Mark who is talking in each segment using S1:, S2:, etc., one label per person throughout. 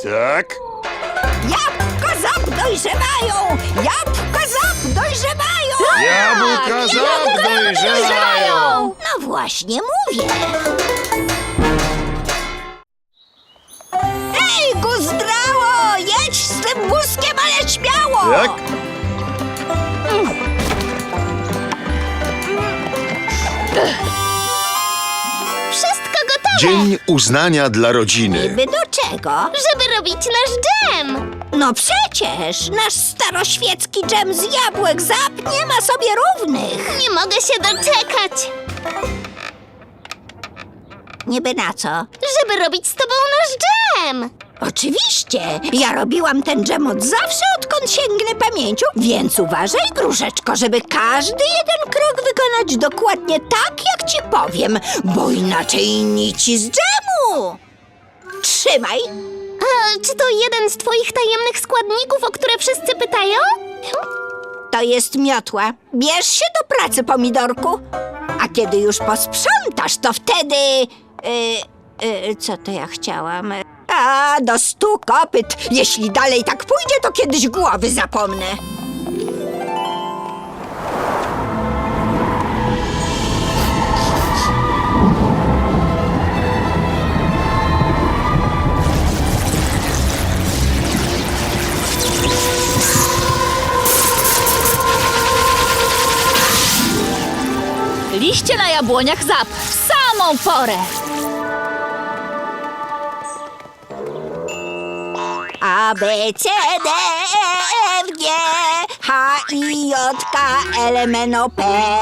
S1: Tak?
S2: Jabłka Zap dojrzewają! Jabłka Zap dojrzewają!
S1: Jabłka Zap dojrzewają!
S2: No właśnie mówię. Hej, Guzdrało! Jedź z tym wózkiem, ale śmiało!
S1: Tak?
S3: Wszystko gotowe,
S1: Dzień uznania dla rodziny.
S2: Niby do czego?
S3: żeby robić nasz dżem.
S2: No przecież nasz staroświecki dżem z jabłek Zap nie ma sobie równych.
S3: Nie mogę się doczekać,
S2: Niby na co?
S3: żeby robić z tobą nasz dżem.
S2: Oczywiście! Ja robiłam ten dżem od zawsze, odkąd sięgnę pamięcią, więc uważaj, Gruszeczko, żeby każdy jeden krok wykonać dokładnie tak, jak ci powiem, bo inaczej nici z dżemu! Trzymaj!
S3: A czy to jeden z twoich tajemnych składników, o które wszyscy pytają?
S2: To jest miotła. Bierz się do pracy, pomidorku. A kiedy już posprzątasz, to wtedy... co to ja chciałam? A, do 100 kopyt. Jeśli dalej tak pójdzie, to kiedyś głowy zapomnę.
S4: Liście na jabłoniach Zap w samą porę.
S2: A, B, C, D, E, F, G, H, I, J, K, L, M, N, O, P.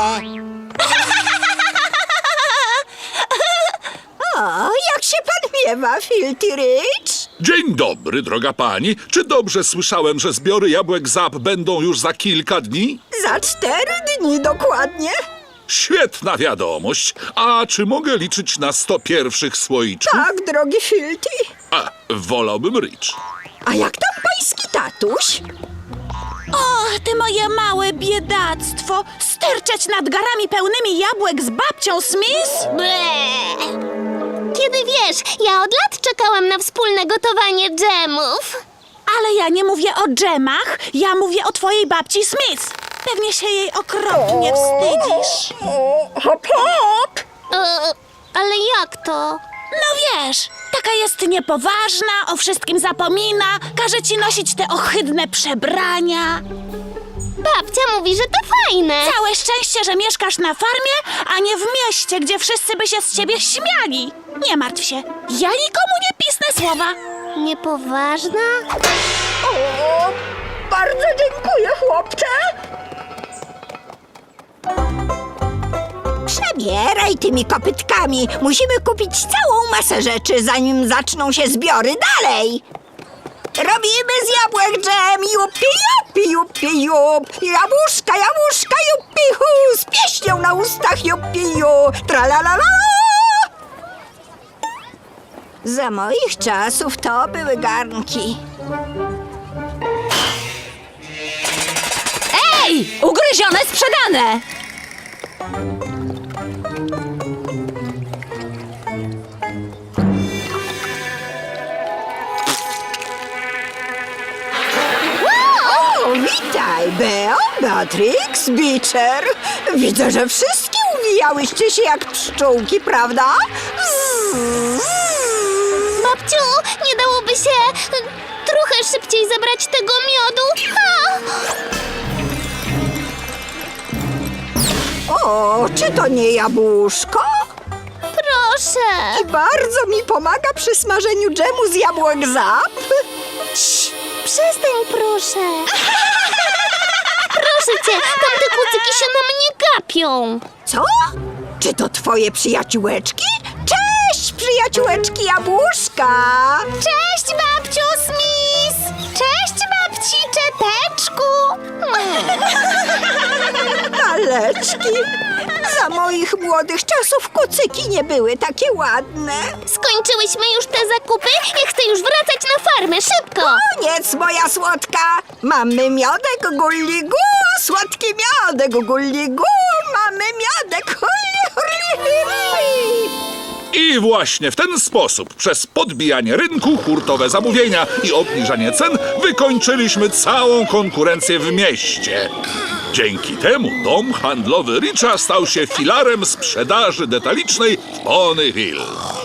S2: O, jak się pan miewa, Filthy Rich?
S5: Dzień dobry, droga pani. Czy dobrze słyszałem, że zbiory jabłek Zap będą już za kilka dni?
S2: Za 4 dni dokładnie.
S5: Świetna wiadomość. A czy mogę liczyć na 100 pierwszych słoiczków?
S2: Tak, drogi Filthy.
S5: A, wolałbym Rich.
S2: A jak tam pański tatuś?
S4: O, ty moje małe biedactwo! Sterczeć nad garami pełnymi jabłek z babcią Smith?
S3: Ble. Kiedy wiesz, ja od lat czekałam na wspólne gotowanie dżemów.
S4: Ale ja nie mówię o dżemach, ja mówię o twojej babci Smith. Pewnie się jej okropnie wstydzisz.
S2: Hop, hop!
S3: Ale jak to?
S4: No wiesz, taka jest niepoważna, o wszystkim zapomina, każe ci nosić te ohydne przebrania.
S3: Babcia mówi, że to fajne.
S4: Całe szczęście, że mieszkasz na farmie, a nie w mieście, gdzie wszyscy by się z ciebie śmiali. Nie martw się, ja nikomu nie pisnę słowa.
S3: Niepoważna?
S2: O, bardzo dziękuję, chłopcze. Przebieraj tymi kopytkami. Musimy kupić całą masę rzeczy, zanim zaczną się zbiory dalej. Robimy z jabłek dżem, jupi, jupi, jupi, jup. Jabłuszka, jabłuszka, jupi, hu. Z pieśnią na ustach, jupi, ju. Tralalala. Za moich czasów to były garnki.
S4: Ej, ugryzione, sprzedane!
S2: O, witaj, Beo, Beatrix, Beecher. Widzę, że wszystkie uwijałyście się jak pszczółki, prawda?
S3: Babciu, nie dałoby się trochę szybciej zabrać tego miodu?
S2: O, czy to nie jabłuszko?
S3: Proszę.
S2: I bardzo mi pomaga przy smażeniu dżemu z jabłek Zap.
S3: Cii, przestań, proszę. Proszę cię, tamte kucyki się na mnie gapią.
S2: Co? Czy to twoje przyjaciółeczki? Cześć, przyjaciółeczki jabłuszka!
S3: Cześć, babciu Smith. Cześć, babci Czeteczku.
S2: Maleczki! Za moich młodych czasów kucyki nie były takie ładne.
S3: Skończyłyśmy już te zakupy? Ja chcę już wracać na farmę, szybko.
S2: Koniec, moja słodka! Mamy miodek gulligu, słodki miodek gulligu, mamy miodek hurli, hurli, hurli.
S5: I I właśnie w ten sposób, przez podbijanie rynku, hurtowe zamówienia i obniżanie cen, wykończyliśmy całą konkurencję w mieście. Dzięki temu dom handlowy Richa stał się filarem sprzedaży detalicznej w Pony Hill.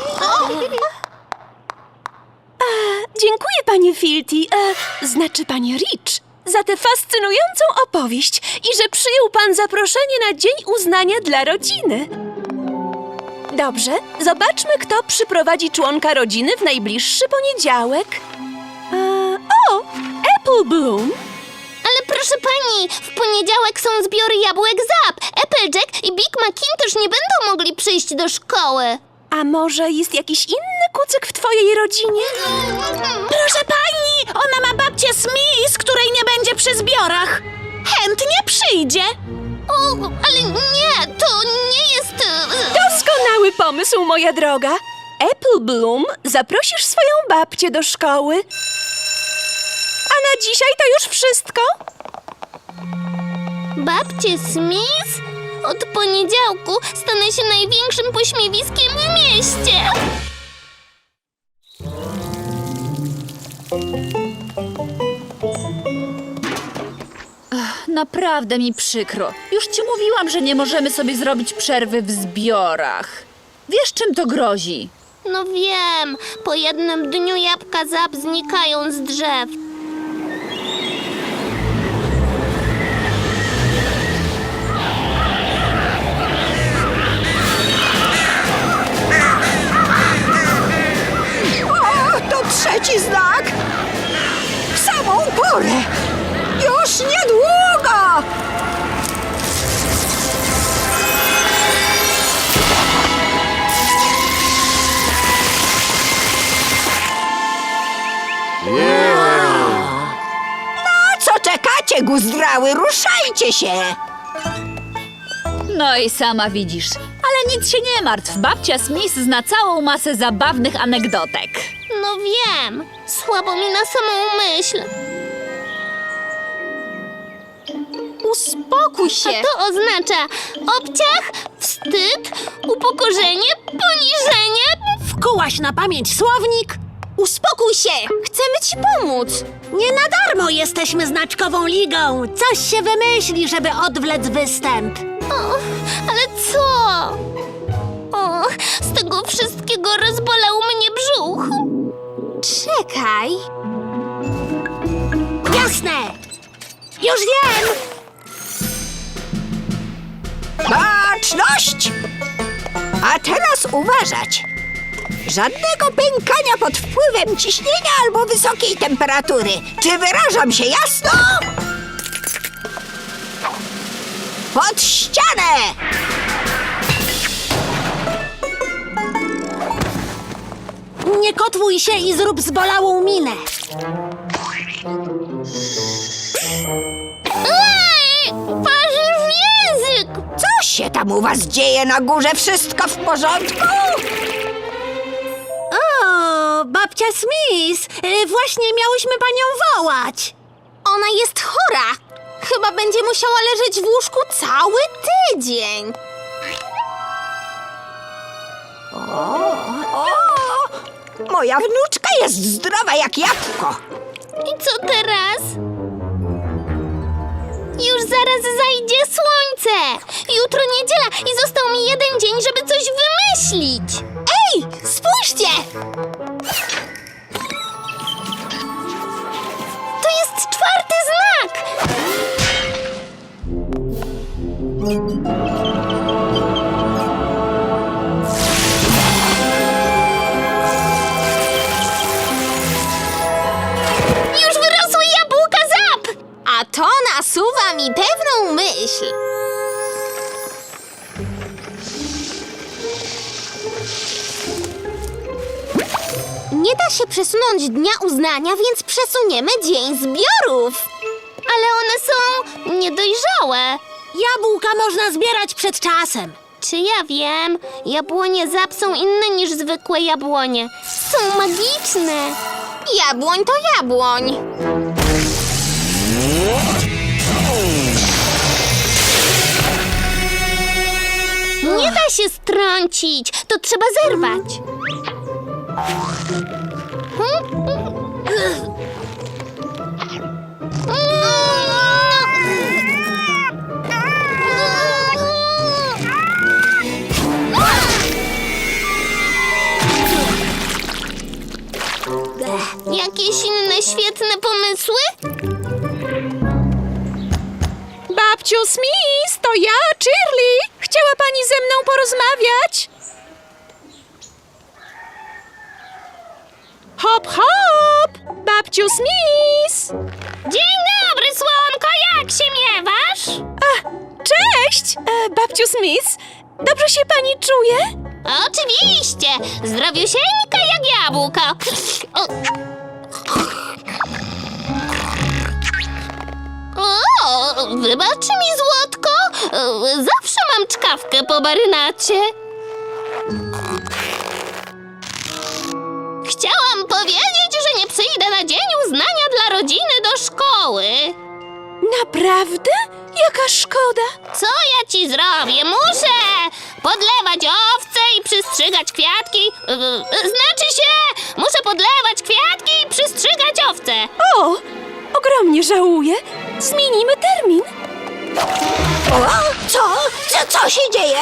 S6: Dziękuję, panie Filti, znaczy panie Rich, za tę fascynującą opowieść i że przyjął pan zaproszenie na Dzień Uznania dla Rodziny. Dobrze, zobaczmy, kto przyprowadzi członka rodziny w najbliższy poniedziałek. O, Apple Bloom.
S3: Ale proszę pani, w poniedziałek są zbiory jabłek Zap. Applejack i Big Macintosh nie będą mogli przyjść do szkoły.
S6: A może jest jakiś inny kucyk w twojej rodzinie?
S4: Proszę pani, ona ma babcię Smith, której nie będzie przy zbiorach. Chętnie przyjdzie.
S3: O, ale nie, to nie jest...
S6: Doskonały pomysł, moja droga. Apple Bloom, zaprosisz swoją babcię do szkoły. A na dzisiaj to już wszystko.
S3: Babcie Smith? Od poniedziałku stanę się największym pośmiewiskiem w mieście.
S7: Naprawdę mi przykro. Już ci mówiłam, że nie możemy sobie zrobić przerwy w zbiorach. Wiesz, czym to grozi?
S3: No wiem, po jednym dniu jabłka Zap znikają z drzew.
S2: O, to trzeci znak! W samą porę! Już niedługo! No, co czekacie, guzdrały? Ruszajcie się!
S7: No i sama widzisz. Ale nic się nie martw. Babcia Smith zna całą masę zabawnych anegdotek.
S3: No wiem, słabo mi na samą myśl.
S6: Uspokój się.
S3: A to oznacza obciach, wstyd, upokorzenie, poniżenie.
S8: Wkułaś na pamięć słownik?
S6: Uspokój się. Chcemy ci pomóc.
S8: Nie na darmo jesteśmy znaczkową ligą. Coś się wymyśli, żeby odwlec występ.
S3: O, ale co? O, z tego wszystkiego rozbolał mnie brzuch.
S6: Czekaj.
S8: Jasne! Już wiem!
S2: Baczność! A teraz uważać! Żadnego pękania pod wpływem ciśnienia albo wysokiej temperatury. Czy wyrażam się jasno? Pod ścianę!
S8: Nie kotłuj się i zrób zbolałą minę.
S3: Ej, parzy w język!
S2: Co się tam u was dzieje na górze? Wszystko w porządku?
S8: O, babcia Smith! Właśnie miałyśmy panią wołać.
S3: Ona jest chora. Chyba będzie musiała leżeć w łóżku cały tydzień.
S2: O, moja wnuczka jest zdrowa jak jabłko.
S3: I co teraz? Już zaraz zajdzie słońce. Jutro niedziela i został mi jeden dzień, żeby coś wymyślić. Ej, spójrzcie! To jest czwarty znak. Już wyrosły jabłka Zap! A to nasuwa mi pewną myśl. Nie da się przesunąć dnia uznania, więc przesuniemy dzień zbiorów. Ale one są niedojrzałe.
S8: Jabłka można zbierać przed czasem.
S3: Czy ja wiem? Jabłonie Zap są inne niż zwykłe jabłonie. Są magiczne. Jabłoń to jabłoń. Nie da się strącić, to trzeba zerwać. Jakieś inne świetne pomysły?
S6: Babciu Smith, to ja, Shirley. Chciała pani ze mną porozmawiać? Hop, hop! Babciu Smith!
S3: Dzień dobry, słonko, jak się miewasz?
S6: Cześć! Babciu Smith, dobrze się pani czuje?
S3: Oczywiście, zdrowiusieńka jak jabłko. O, wybacz mi, złotko, zawsze mam czkawkę po marynacie. Chciałam powiedzieć, że nie przyjdę na Dzień Uznania dla Rodziny do szkoły.
S6: Naprawdę? Jaka szkoda!
S3: Co ja ci zrobię? Muszę podlewać owce i przystrzygać kwiatki. Znaczy się, muszę podlewać kwiatki i przystrzygać owce.
S6: O, ogromnie żałuję. Zmienimy termin.
S2: O, co się dzieje?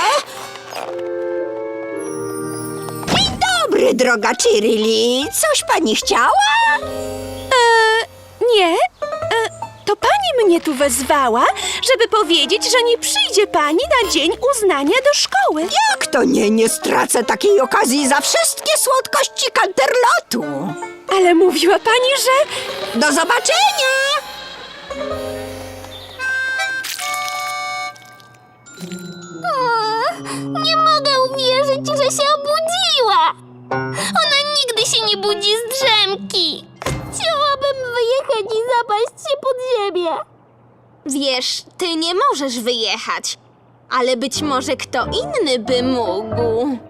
S2: Dzień dobry, droga Shirley. Coś pani chciała?
S6: Nie, to pani mnie tu wezwała, żeby powiedzieć, że nie przyjdzie pani na Dzień Uznania do szkoły.
S2: Jak to nie stracę takiej okazji za wszystkie słodkości Canterlotu.
S6: Ale mówiła pani, że...
S2: Do zobaczenia!
S3: Nie mogę uwierzyć, że się obudziła. Ona nigdy się nie budzi z drzemki. Chciałabym wyjechać i zapaść się pod ziemię.
S9: Wiesz, ty nie możesz wyjechać, ale być może kto inny by mógł.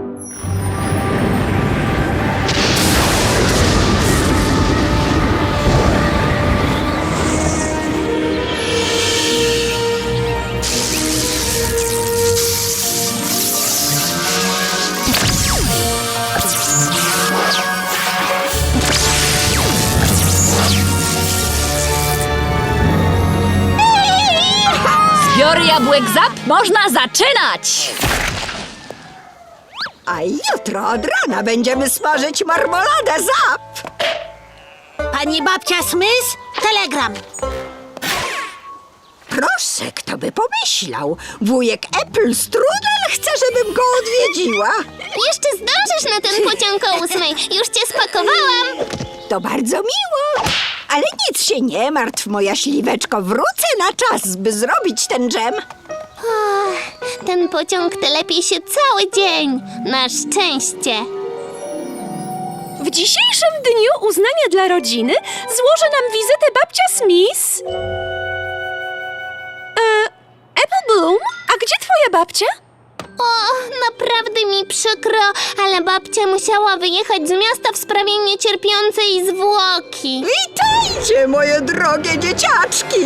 S7: Zbiory jabłek Zap można zaczynać!
S2: A jutro od rana będziemy smażyć marmoladę Zap.
S8: Pani babcia Smith, telegram.
S2: Proszę, kto by pomyślał? Wujek Apple Strudel chce, żebym go odwiedziła.
S3: Jeszcze zdążysz na ten pociąg o 8. Już cię spakowałam.
S2: To bardzo miło. Ale nic się nie martw, moja śliweczko. Wrócę na czas, by zrobić ten dżem.
S3: Ten pociąg telepie się cały dzień. Na szczęście.
S6: W dzisiejszym dniu uznania dla rodziny złoży nam wizytę babcia Smith. Apple Bloom, a gdzie twoja babcia?
S3: O, naprawdę mi przykro, ale babcia musiała wyjechać z miasta w sprawie niecierpiącej zwłoki.
S2: Witajcie, moje drogie dzieciaczki.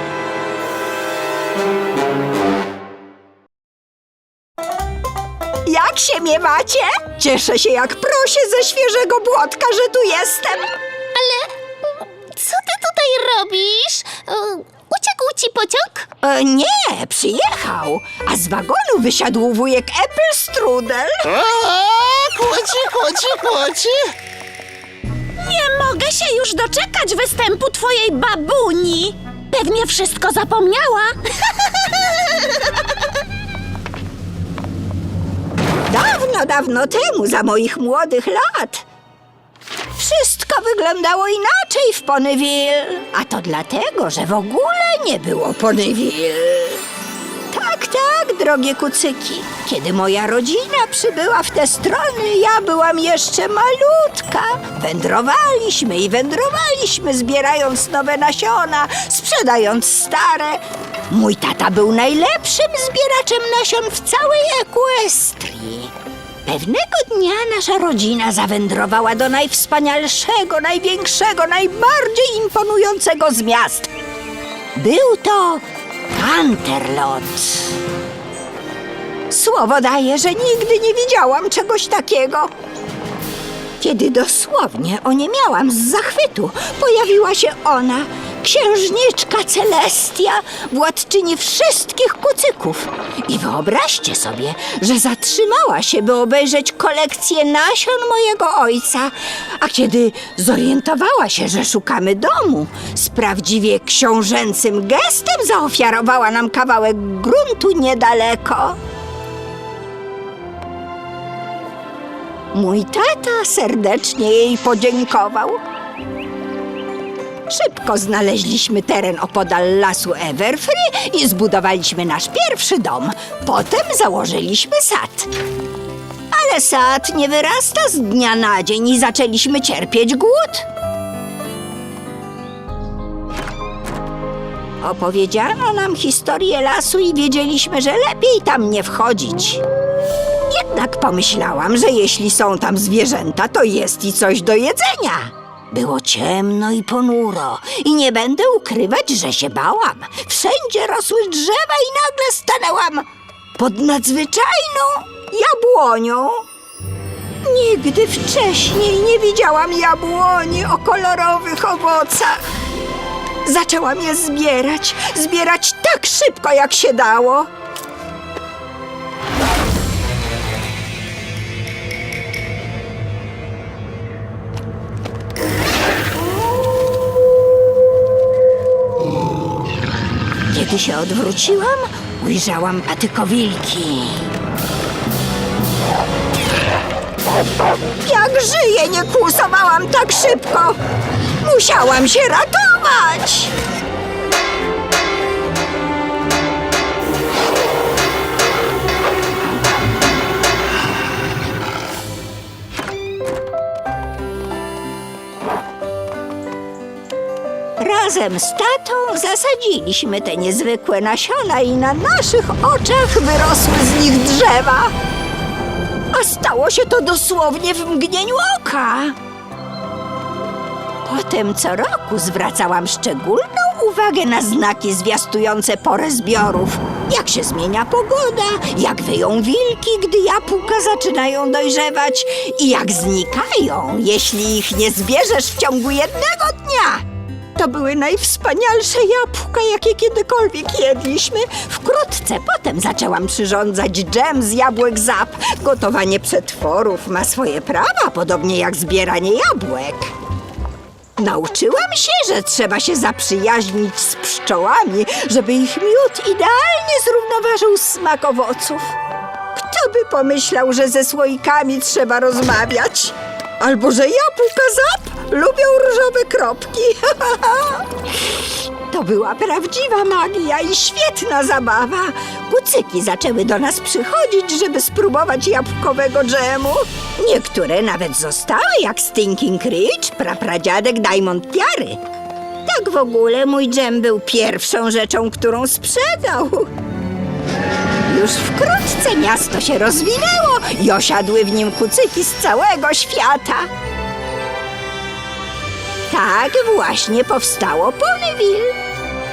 S2: Jak się miewacie? Cieszę się jak prosie ze świeżego błotka, że tu jestem.
S3: Ale co ty tutaj robisz? Uciekł ci pociąg?
S2: Nie, przyjechał. A z wagonu wysiadł wujek Apple Strudel.
S1: Kłoci.
S4: Nie mogę się już doczekać występu twojej babuni. Pewnie wszystko zapomniała.
S2: Dawno temu, za moich młodych lat. Wszystko wyglądało inaczej w Ponyville. A to dlatego, że w ogóle nie było Ponyville. Tak, drogie kucyki. Kiedy moja rodzina przybyła w te strony, ja byłam jeszcze malutka. Wędrowaliśmy, zbierając nowe nasiona, sprzedając stare. Mój tata był najlepszym zbieraczem nasion w całej Equestrii. Pewnego dnia nasza rodzina zawędrowała do najwspanialszego, największego, najbardziej imponującego z miast. Był to Canterlot. Słowo daję, że nigdy nie widziałam czegoś takiego. Kiedy dosłownie oniemiałam z zachwytu, pojawiła się ona, księżniczka Celestia, władczyni wszystkich kucyków. I wyobraźcie sobie, że zatrzymała się, by obejrzeć kolekcję nasion mojego ojca. A kiedy zorientowała się, że szukamy domu, z prawdziwie książęcym gestem zaofiarowała nam kawałek gruntu niedaleko. Mój tata serdecznie jej podziękował. Szybko znaleźliśmy teren opodal lasu Everfree i zbudowaliśmy nasz pierwszy dom. Potem założyliśmy sad. Ale sad nie wyrasta z dnia na dzień i zaczęliśmy cierpieć głód. Opowiedziano nam historię lasu i wiedzieliśmy, że lepiej tam nie wchodzić. Jednak pomyślałam, że jeśli są tam zwierzęta, to jest i coś do jedzenia. Było ciemno i ponuro i nie będę ukrywać, że się bałam. Wszędzie rosły drzewa i nagle stanęłam pod nadzwyczajną jabłonią. Nigdy wcześniej nie widziałam jabłoni o kolorowych owocach. Zaczęłam je zbierać tak szybko, jak się dało. Kiedy się odwróciłam, ujrzałam patykowilki. Jak żyję, nie kłusowałam tak szybko! Musiałam się ratować! Razem z tatą zasadziliśmy te niezwykłe nasiona i na naszych oczach wyrosły z nich drzewa. A stało się to dosłownie w mgnieniu oka. Potem co roku zwracałam szczególną uwagę na znaki zwiastujące porę zbiorów. Jak się zmienia pogoda, jak wyją wilki, gdy jabłka zaczynają dojrzewać i jak znikają, jeśli ich nie zbierzesz w ciągu jednego dnia. To były najwspanialsze jabłka, jakie kiedykolwiek jedliśmy. Wkrótce potem zaczęłam przyrządzać dżem z jabłek Zap. Gotowanie przetworów ma swoje prawa, podobnie jak zbieranie jabłek. Nauczyłam się, że trzeba się zaprzyjaźnić z pszczołami, żeby ich miód idealnie zrównoważył smak owoców. Kto by pomyślał, że ze słoikami trzeba rozmawiać? Albo że jabłka Zap lubią różowe kropki. To była prawdziwa magia i świetna zabawa. Kucyki zaczęły do nas przychodzić, żeby spróbować jabłkowego dżemu. Niektóre nawet zostały, jak Stinking Rich, prapradziadek Diamond Tiary. Tak w ogóle mój dżem był pierwszą rzeczą, którą sprzedał. Już wkrótce miasto się rozwinęło i osiadły w nim kucyki z całego świata. Tak właśnie powstało Ponyville.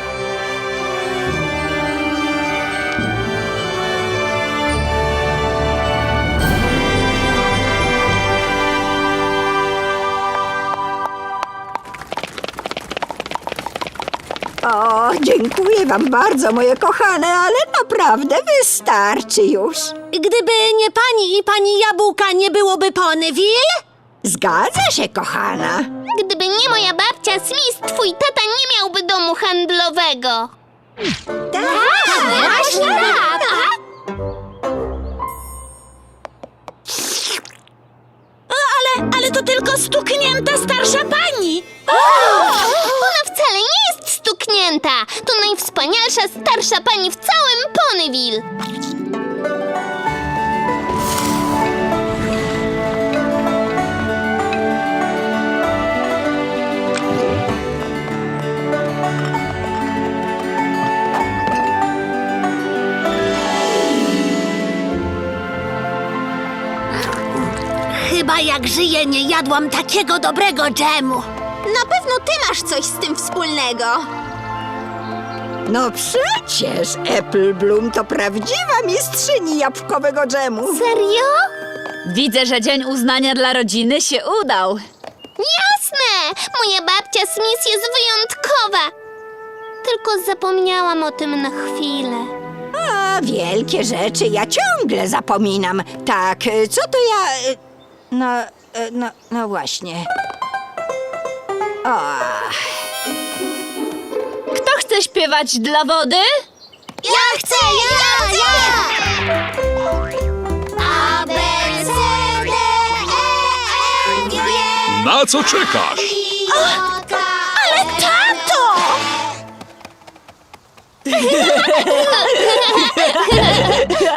S2: O, dziękuję wam bardzo, moje kochane, ale naprawdę wystarczy już.
S8: Gdyby nie pani i pani jabłka, nie byłoby Ponyville?
S2: Zgadza się, kochana.
S3: Gdyby nie moja babcia Smith, twój tata nie miałby domu handlowego.
S2: Tak,
S3: Właśnie tak.
S4: Ale to tylko stuknięta starsza pani.
S3: Ona wcale nie jest stuknięta. To najwspanialsza starsza pani w całym Ponyville.
S8: Chyba jak żyję, nie jadłam takiego dobrego dżemu.
S9: Na pewno ty masz coś z tym wspólnego.
S2: No przecież Apple Bloom to prawdziwa mistrzyni jabłkowego dżemu.
S3: Serio?
S7: Widzę, że Dzień Uznania dla Rodziny się udał.
S3: Jasne! Moja babcia Smith jest wyjątkowa. Tylko zapomniałam o tym na chwilę.
S2: A, wielkie rzeczy ja ciągle zapominam. Tak, co to ja... No właśnie. O,
S7: Kto chce śpiewać dla wody?
S3: Ja chcę! Ja! A, B, C, D, E, F, G,
S5: Na co czekasz?
S3: Ale
S4: Tato!